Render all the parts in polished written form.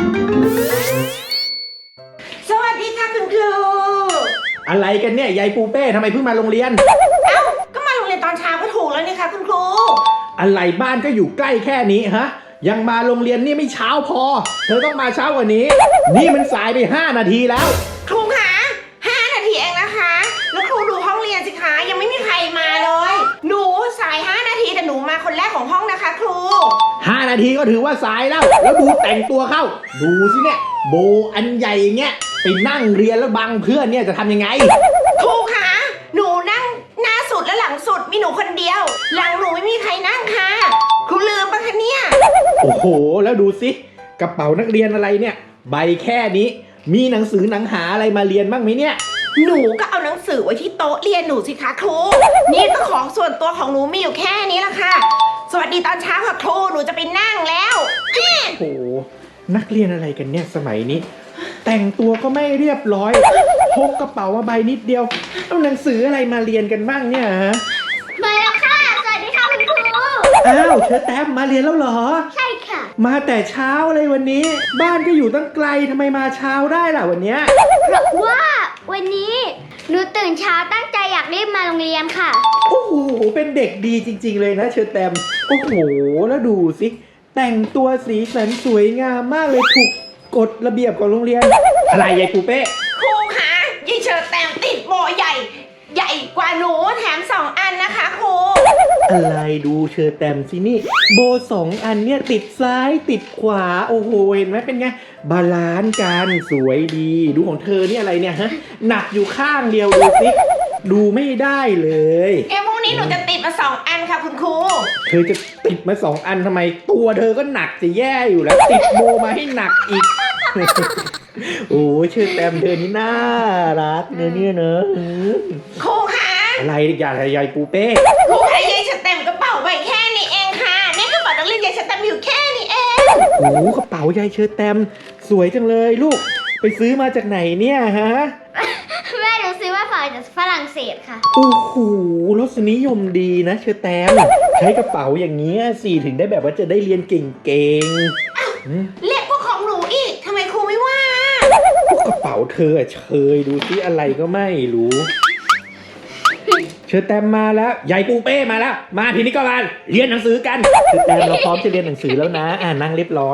สวัสดีค่ะคุณครูอะไรกันเนี่ยยายปูเป้ทำไมเพิ่งมาโรงเรียนเอ้าก็มาโรงเรียนตอนเช้าก็ถูกแล้วนี่คะคุณครูอะไรบ้านก็อยู่ใกล้แค่นี้ฮะยังมาโรงเรียนนี่ไม่เช้าพอเธอต้องมาเช้ากว่านี้นี่มันสายไป5 นาทีแล้วครูคะ5 นาทีเองนะคะแล้วครูดูห้องเรียนสิคะยังไม่มีใครมาเลยหนูสาย5 นาทีแต่หนูมาคนแรกของห้องนะคะครู 5 นาทีก็ถือว่าสายแล้วดูแต่งตัวเข้าดูสิเนี่ยโบอันใหญ่อย่างเงี้ยไปนั่งเรียนแล้วบังเพื่อนเนี่ยจะทำยังไงครูคะหนูนั่งหน้าสุดและหลังสุดมีหนูคนเดียวหลังหนูไม่มีใครนั่งค่ะครูลืมปะคะเนี่ยโอ้โหแล้วดูสิกระเป๋านักเรียนอะไรเนี่ยใบแค่นี้มีหนังสือหนังหาอะไรมาเรียนบ้างไหมเนี่ยหนูก็เอาหนังสือไว้ที่โต๊ะเรียนหนูสิคะครูนี่ก็ของส่วนตัวของหนูมีอยู่แค่นี้ละค่ะสวัสดีตอนเช้าค่ะครูหนูจะไปนั่งแล้วโอ้โหนักเรียนอะไรกันเนี่ยสมัยนี้แต่งตัวก็ไม่เรียบร้อยพกกระเป๋ามาใบนิดเดียวเอาหนังสืออะไรมาเรียนกันบ้างเนี่ยฮะมาแล้วค่ะสวัสดีค่ะคุณครูอ้าวเธอแต้มมาเรียนแล้วเหรอใช่ค่ะมาแต่เช้าเลยวันนี้บ้านก็อยู่ตั้งไกลทำไมมาเช้าได้ล่ะวันเนี้ยเพราะว่าวันนี้หนูตื่นเช้าตั้งใจอยากรีบมาโรงเรียนค่ะโอ้โหเป็นเด็กดีจริงๆเลยนะเชอแตมโอ้โหแล้วดูสิแต่งตัวสีสันสวยงามมากเลยถูกกฎระเบียบของโรงเรียนอะไรยายปูเป้ครูคะยายเชอแตมติดโบใหญ่กว่าหนูแถม2 อันนะคะครูอะไรดูเชอแตมสินี่โบ2 อันเนี่ยติดซ้ายติดขวาโอ้โหเห็นไหมเป็นไงบาลานซ์กันสวยดีดูของเธอนี่อะไรเนี่ยฮะหนักอยู่ข้างเดียวดูสิดูไม่ได้เลยพรุ่งนี้หนูจะติดมา2 อันค่ะคุณครูเธอจะติดมา2 อันทำไมตัวเธอก็หนักจะแย่อยู่แล้วติดโบมาให้หนักอีกโอ้เชอแตมเธอนี่น่ารักเนี่ยเนอะครูคะอะไรอย่ายายปูเป้ครูคะยายเชอแตมกระเป๋าใบแค่นี้เองค่ะนี่กระเป๋านักเรียนยายเชอแตมอยู่แค่นี้เองโอ้กระเป๋ายายเชอแตมสวยจังเลยลูกไปซื้อมาจากไหนเนี่ยฮะแม่หนูซื้อมาจากฝรั่งเศสค่ะโอ้โหรสนิยมดีนะเชอแตมใช้กระเป๋าอย่างนี้สิถึงได้แบบว่าจะได้เรียนเก่งเล็กกว่าของหนูอีกทำไมครูไม่ว่ากระเป๋าเธอเชยดูสิอะไรก็ไม่รู้เชอแตมมาแล้วยายปูเป้มาแล้วมาทีนี้ก็มาเรียนหนังสือกันเชอแตมเราพร้อมจะเรียนหนังสือแล้วนะนั่งเรียบร้อย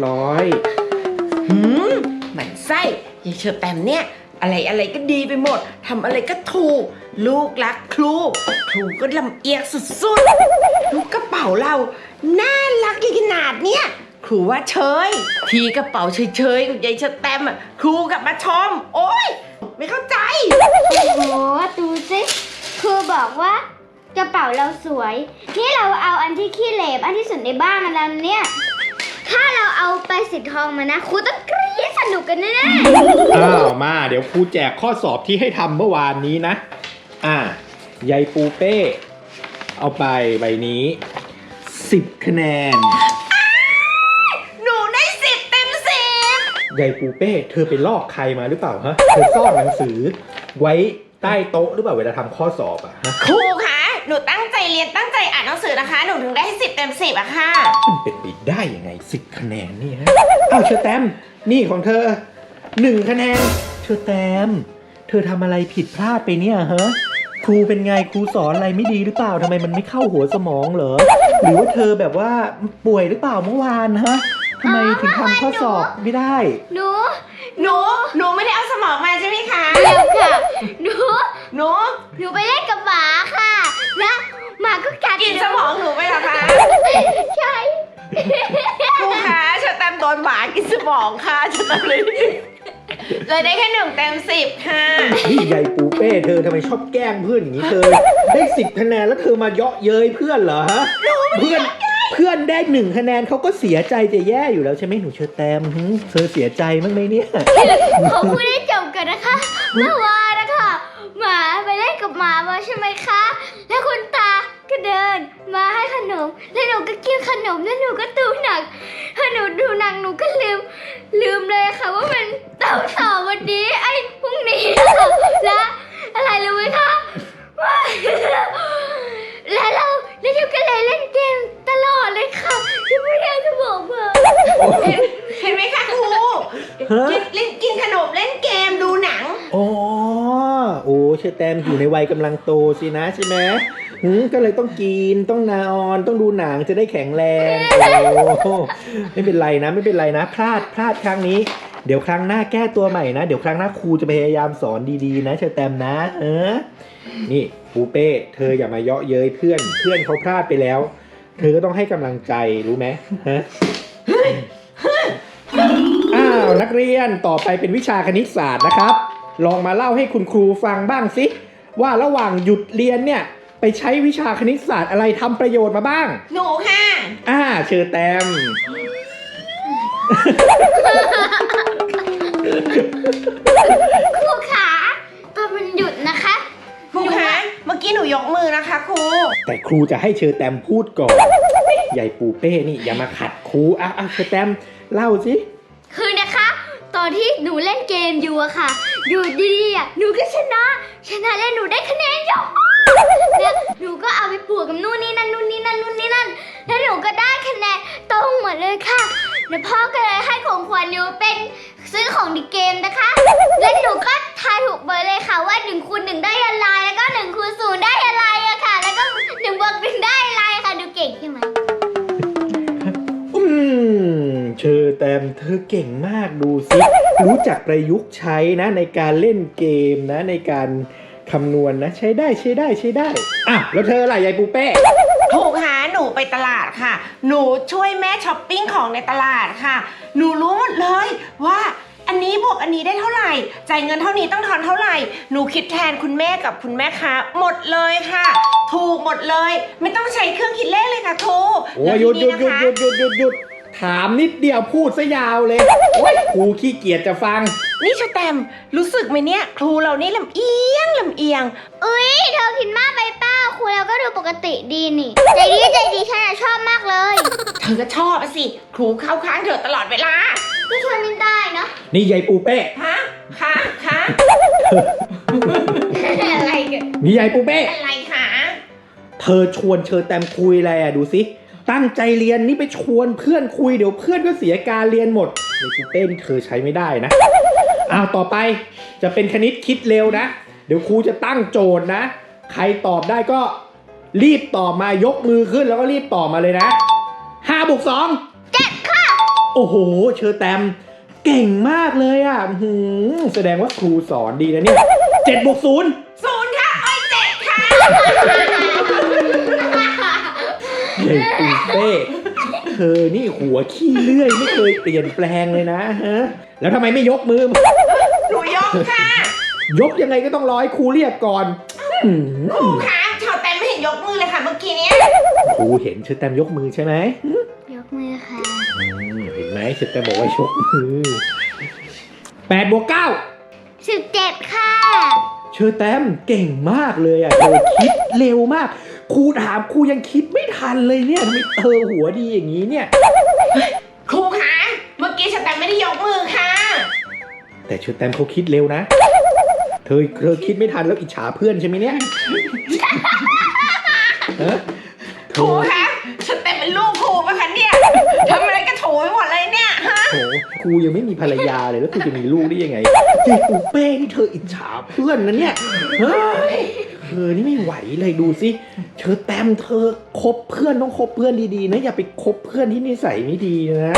หมันไส้ยายเชอแตมเนี่ยอะไรก็ดีไปหมดทำอะไรก็ถูกลูกรักครูก็ลำเอียงสุดๆลูกกระเป๋าเราน่ารักขนาดเนี้ยครูว่าเฉยทีกระเป๋าเฉยๆกับยายเชอแตมครูกลับมาชมโอ๊ยไม่เข้าใจโอ้โหดูสิครูบอกว่ากระเป๋าเราสวยนี่เราเอาอันที่ขี้เหร่อันที่สุดในบ้านมาแล้วเนี่ยถ้าเราเอาไปสีทองมานะครูต้องกรี๊ดสนุกกันแน่ๆมาเดี๋ยวครูแจกข้อสอบที่ให้ทำเมื่อวานนี้นะยายปูเป้เอาไปใบนี้10 คะแนนหนูได้10 เต็ม 10 ยายปูเป้เธอไปลอกใครมาหรือเปล่าฮะเธอซ่อนหนังสือไว้ใต้โต๊ะหรือเปล่าเวลาทำข้อสอบฮะครูคะหนูตั้งใจเรียนตั้งใจอ่านหนังสือนะคะหนูถึงได้10 เต็ม 10อะค่ะมันเป็นไปได้ยังไง10 คะแนนนี่ฮะเชอแตมนี่ของเธอ1 คะแนนเชอแตมเธอทำอะไรผิดพลาดไปเนี่ยฮะครูเป็นไงครูสอนอะไรไม่ดีหรือเปล่าทำไมมันไม่เข้าหัวสมองเหรอหรือว่าเธอแบบว่าป่วยหรือเปล่าเมื่อวานฮะทำไมถึงทำข้อสอบไม่ได้หนูไม่ได้เอาสมองมาใช่ไหมคะเดี๋ยวค่ะหนูไปเล่นกับหมาค่ะแล้วหมาก็กัดกินสมองหนูไปเหรอคะใช่ครูคะเชอแตมโดนหมากินสมองค่ะเชอแตมเลยได้แค่1 เต็ม 10ค่ะนี่ยายปูเป้เธอทำไมชอบแกล้งเพื่อนอย่างนี้เธอได้10 คะแนนแล้วเธอมาเยาะเย้ยเพื่อนเหรอฮะเพื่อนได้1 คะแนนเขาก็เสียใจจะแย่อยู่แล้วใช่ไหมหนูเชอแตมเธอเสียใจมั้งไหมเนี่ยขอพูดให้จบกันนะคะเมื่อวานนะคะหมาไปเล่นกับหมามาใช่ไหมคะแล้วคุณตาก็เดินมาให้ขนมแล้วหนูก็กินขนมแล้วหนูก็ดูหนังพอหนูดูหนังหนูก็ลืมเลยค่ะว่ามันต่อวันนี้ไอ้พรุ่งนี้แล้วอะไรรู้ไหมคะแล้วเราก็เลยเล่นเกมตลอดเลยค่ะที่ไม่ได้จะบอกเบอร์เห็นไหมคะครูฮะกินขนมเล่นเกมดูหนังอ๋อโอ้เชอแตมอยู่ในวัยกำลังโตสินะใช่ไหมก็เลยต้องกินต้องนอนต้องดูหนังจะได้แข็งแรงโอ้ไม่เป็นไรนะไม่เป็นไรนะพลาดครั้งนี้เดี๋ยวครั้งหน้าแก้ตัวใหม่นะเดี๋ยวครั้งหน้าครูจะพยายามสอนดีๆนะเชอแตมนะนี่ปูเป้เธออย่ามาเยาะเย้ยเพื่อนเขาพลาดไปแล้วเธอก็ต้องให้กำลังใจรู้ไหมฮะอ้าวนักเรียนต่อไปเป็นวิชาคณิตศาสตร์นะครับลองมาเล่าให้คุณครูฟังบ้างสิว่าระหว่างหยุดเรียนเนี่ยไปใช้วิชาคณิตศาสตร์อะไรทำประโยชน์มาบ้างหนูค่ะเชิญแตมครูขาตอนมันหยุดนะคะครูคะเมื่อกี้หนูยกมือนะคะครูแต่ครูจะให้เชิญแตมพูดก่อน ใหญ่ปูเป้นี่อย่ามาขัดครูเชิญแตมเล่าสิคือนะคะตอนที่หนูเล่นเกมอยู่อะค่ะอยู่ดีๆหนูก็ชนะแล้วหนูได้คะแนนเยอะเนี่ยหนูก็เอาไปบวกกับนู่นนี่นั่นแล้วหนูก็ได้คะแนนตรงหมดเลยค่ะแล้วพ่อก็เลยให้ของขวัญหนูเป็นซื้อของในเกมนะคะแล้วหนูก็ทายถูกเบอร์เลยค่ะว่า1 คูณ 1ได้อะไรแล้วก็1 คูณ 0ได้อะไรอะค่ะแล้วก็1 บวก 1ได้อะไรค่ะดูเก่งใช่ไหมเชอแตมเธอเก่งมากดูสิรู้จักประยุกต์ใช้นะในการเล่นเกมนะในการคำนวณนะใช้ได้แล้วเธอล่ะยายปูเป้ถูกหาหนูไปตลาดค่ะหนูช่วยแม่ช้อปปิ้งของในตลาดค่ะหนูรู้หมดเลยว่าอันนี้บวกอันนี้ได้เท่าไหร่จ่ายเงินเท่านี้ต้องทอนเท่าไหร่หนูคิดแทนคุณแม่กับคุณแม่ค้าหมดเลยค่ะถูกหมดเลยไม่ต้องใช้เครื่องคิดเลขเลยค่ะครูโอ้ยหยุดถามนิดเดียวพูดซะยาวเลยครูขี้เกียจจะฟังนี่ชแตมรู้สึกไหมเนี่ยครูเรานี่ลำเอียงอุ๊ยเธอคิดมากไปเปล่าครูเราก็ดูปกติดีนี่ใจดีฉันชอบมากเลยเธอก็ชอบสิครูเข้าข้างเธอตลอดเวลาก็ชวนไม่ได้เนาะนี่ยายปูเป้ค่ะอะไรกันนี่ยายปูเป้อะไรคะเธอชวนเชอแตมคุยอะไรดูสิตั้งใจเรียนนี่ไปชวนเพื่อนคุยเดี๋ยวเพื่อนก็เสียการเรียนหมดยายปูเป้นี่เธอใช้ไม่ได้นะต่อไปจะเป็นคณิตคิดเร็วนะเดี๋ยวครูจะตั้งโจทย์นะใครตอบได้ก็รีบตอบมายกมือขึ้นแล้วก็รีบตอบมาเลยนะ5 บวก 2 7ค่ะโอ้โหเชอแตมเก่งมากเลยแสดงว่าครูสอนดีนะเนี่ย7 บวก 0 0ค่ะ7ค่ะเฮ้ยปูเป้เธอนี่หัวขี้เลื่อยไม่เคยเปลี่ยนแปลงเลยนะฮะแล้วทำไมไม่ยกมือหนูยกค่ะยกยังไงก็ต้องรอให้ครูเรียกก่อนครูคะเชอแตมไม่เห็นยกมือเลยค่ะเมื่อกี้นี้ครูเห็นเชอแตมยกมือใช่ไหมยกมือค่ะเห็นไหมเชอแตมบอกว่ายกมือ8 บวก 9 17ค่ะเชอแตมเก่งมากเลยเธอคิดเร็วมากครูถามครูยังคิดไม่ทันเลยเนี่ยทำไมเธอหัวดีอย่างนี้เนี่ยครูคะเมื่อกี้เชอแตมไม่ได้ยกมือค่ะแต่เชอแตมเขาคิดเร็วนะเธอคิดไม่ทันแล้วอิจฉาเพื่อนใช่ไหมเนี่ยครูคะเชอแตมเป็นลูกครูปะคะเนี่ยทำอะไรก็โถไปหมดเลยเนี่ยโถครูยังไม่มีภรรยาเลยแล้วครูจะมีลูกได้ยังไงเด็กปูเป้นี่เธออิจฉาเพื่อนนะเนี่ยเธอนี่ไม่ไหวเลยดูสิเชอแตมเธอคบเพื่อนต้องคบเพื่อนดีๆนะอย่าไปคบเพื่อนที่นิสัยไม่ดีนะ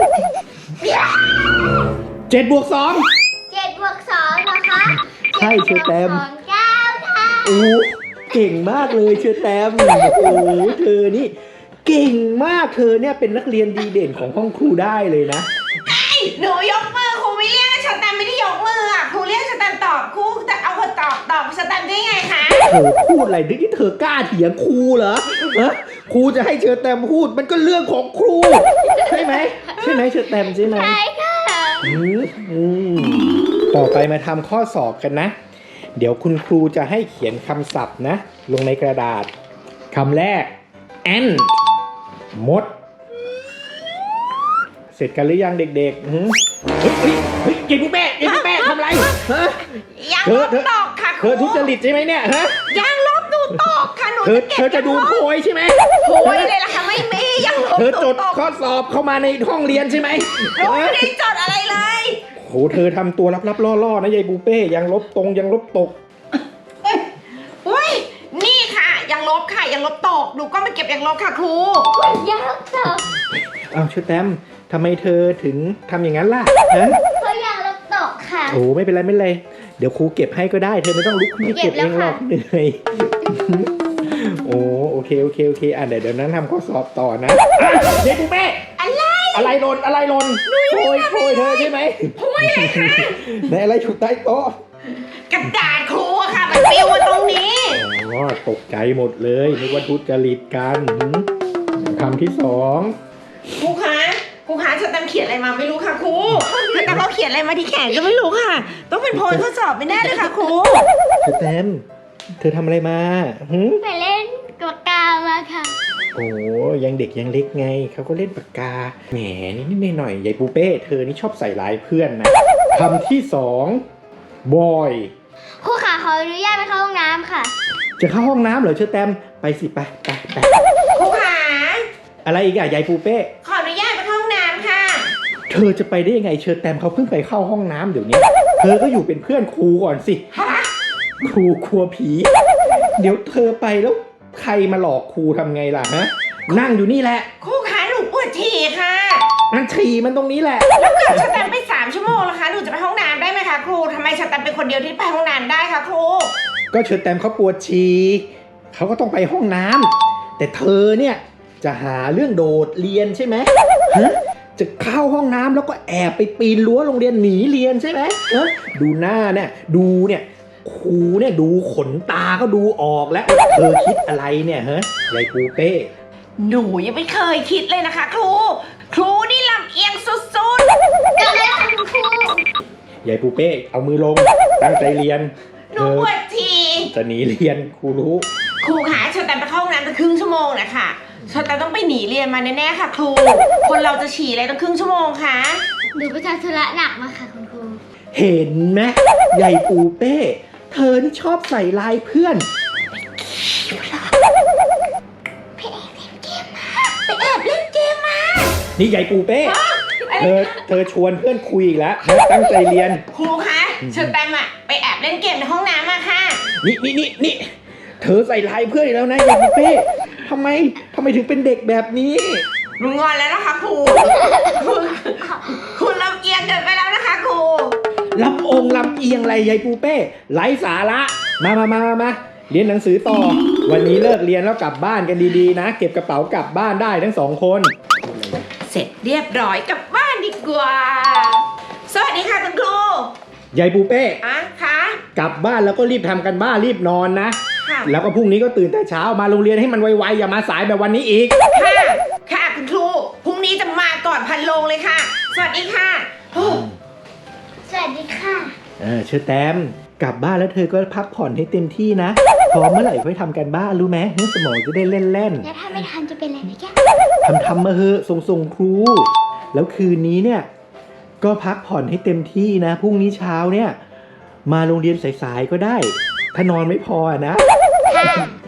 7 บวก 2 7 บวก 2นะคะใช่เชอแตม 9ค่ะเก่งมากเลยเชอแตมเธอนี่เก่งมากเธอเนี่ยเป็นนักเรียนดีเด่นของห้องครูได้เลยนะหนูยกมือครูไม่เรียกเชอแตมไม่ได้ยกมือครูเรียกเชอแตมตอบครูจะเอาคนตอบเชอแตมได้ไงคะเธอพูดอะไรที่เธอกล้าเถียงครูเหรอครูจะให้เชอแตมพูดมันก็เรื่องของครูใช่ไหมเชอแตมใช่ไหมใช่ค่ะต่อไปมาทำข้อสอบกันนะเดี๋ยวคุณครูจะให้เขียนคำศัพท์นะลงในกระดาษคำแรก ant มดเสร็จกันหรือยังเด็กๆเฮ้ยเก่งแม่ทำไรยังลบตอกค่ะเธอทุจริตใช่ไหมเนี่ยยังลบดูตอกค่ะหนูเธอจะดูโพยใช่ไหมโพยเลยล่ะค่ะไม่มียังลบเธอจดข้อสอบเข้ามาในห้องเรียนใช่ไหมหนูไม่ได้จดอะไรเลยโเธอทำตัวลับๆล่อๆนะยายปูเป้ยังลบตรงยังลบตกเฮ้ยนี่ค่ะยังลบค่ะยังลบตกหนูก็มาเก็บยังลบค่ะครูยังลบตกเอาเชอแตมทำไมเธอถึงทำอย่างนั้นล่ะฮะเพราะยังลบตกค่ะโอ้ไม่เป็นไรไม่เป็นไรเดี๋ยวครูเก็บให้ก็ได้เธอไม่ต้องลุกขึ้นมาเก็บเองหรอกเหนื่อยโอ้โอเคอ่ะเดี๋ยวนั้นทำข้อสอบต่อนะเด็กปูเป้อะไรหล่นโอยเธอใช่ไหมโอยอะไรคะไหนอะไรถูกใต้โต๊ะกระดาษครูอะค่ะมันปลิวมาตรงนี้อ๋อตกใจหมดเลยนึกว่าทุจริตกันคำที่สองครูคะเชอแตมเขียนอะไรมาไม่รู้ค่ะครูเชอแตมเขาเขียนอะไรมาที่แขนก็ไม่รู้ค่ะ ต้องเป็นโพยข้อสอบไม่แน่เลยค่ะครูเชอแตมเธอทำอะไรมาหึไปเล่นกบกามาค่ะโอ้ยังเด็กยังเล็กไงเขาก็เล่นปากกาแหมนิดหน่อยยายปูเป้เธอนี่ชอบใส่ร้ายเพื่อนนะคำที่สองบอยครูขาขออนุญาตไปเข้าห้องน้ำค่ะจะเข้าห้องน้ำเหรอเชอแตมไปสิไปครูขาอะไรอีกอะยายปูเป้ขออนุญาตไปเข้าห้องน้ำค่ะเธอจะไปได้ยังไงเชอแตมเขาเพิ่งไปเข้าห้องน้ำเดี๋ยวนี้เธอก็อยู่เป็นเพื่อนครูก่อนสิฮะครูกลัวผี เดี๋ยวเธอไปแล้วใครมาหลอกครูทำไงล่ะฮะนั่งอยู่นี่แหละครูขาหนูปวดฉี่ค่ะนั่นฉี่มันตรงนี้แหละแล้วเกิดเชอแตมไป3 ชั่วโมงแล้วคะหนูจะไปห้องน้ำได้ไหมคะครูทำไมเชอแตมเป็นคนเดียวที่ไปห้องน้ำได้คะครูก็เชอแตมเขาปวดฉี่เขาก็ต้องไปห้องน้ำแต่เธอเนี่ยจะหาเรื่องโดดเรียนใช่ไหมฮะจะเข้าห้องน้ำแล้วก็แอบไปปีนรั้วโรงเรียนหนีเรียนใช่ไหมดูหน้าเนี่ยครูเนี่ยดูขนตาก็ดูออกแล้วว่าเธอคิดอะไรเนี่ยฮะยายปูเป้หนูยังไม่เคยคิดเลยนะคะครูนี่ลำเอียงสุดเกิดอะไรขึ้นครูยายปูเป้เอามือลงตั้งใจเรียนๆหนูปวดฉี่จะหนีเรียนครูรู้ครูคะเชอแตมไปเข้าห้องน้ำตั้งครึ่งชั่วโมงนะคะเชอแตมต้องไปหนีเรียนมาแน่ๆค่ะครู คนเราจะฉี่อะไรตั้งครึ่งชั่วโมงคะหนูไปทำธุระหนักมาค่ะคุณครูเห็นไหมยายปูเป้เธอนี่ชอบใส่ลายเพื่อนไปแอบเล่นเกมมานี่ยายปูเป้เธอชวนเพื่อนคุยอีกแล้วนะตั้งใจเรียนครูคะเชอแตมอะไปแอบเล่นเกมในห้องน้ำมาค่ะนี่เธอใส่ลายเพื่อนอีกแล้วนะยายปูเป้ทำไมถึงเป็นเด็กแบบนี้หนูงอนแล้วนะคะครู คุณลำเอียงเกินไปแล้วนะคะครูลำเอียงอะไรยายปูเป้ไร้สาระมาเรียนหนังสือต่อ วันนี้เลิกเรียนแล้วกลับบ้านกันดีๆนะเก็บกระเป๋ากลับบ้านได้ทั้ง2 คนเสร็จเรียบร้อยกลับบ้านดีกว่า สวัสดีค่ะคุณครูยายปูเป้อ่ะคะกลับบ้านแล้วก็รีบทำกันบ้านรีบนอนนะค่ะแล้วก็พรุ่งนี้ก็ตื่นแต่เช้ามาโรงเรียนให้มันไวๆอย่ามาสายแบบวันนี้อีกค่ะคุณครูพรุ่งนี้จะมาก่อนพันโลงเลยค่ะ สวัสดีค่ะโอ้สวัสดีค่ะเชอแตมกลับบ้านแล้วเธอก็พักผ่อนให้เต็มที่นะพร้อมเมื่อไหร่ค่อยทำกันบ้านรู้ไหมสมองจะได้เล่นแล้วถ้าไม่ทันจะเป็นอะไรไหมแกทำมาเหอะส่งครู แล้วคืนนี้เนี่ยก็พักผ่อนให้เต็มที่นะพรุ่งนี้เช้าเนี่ยมาโรงเรียนสายๆก็ได้ ถ้านอนไม่พอนะค่ะ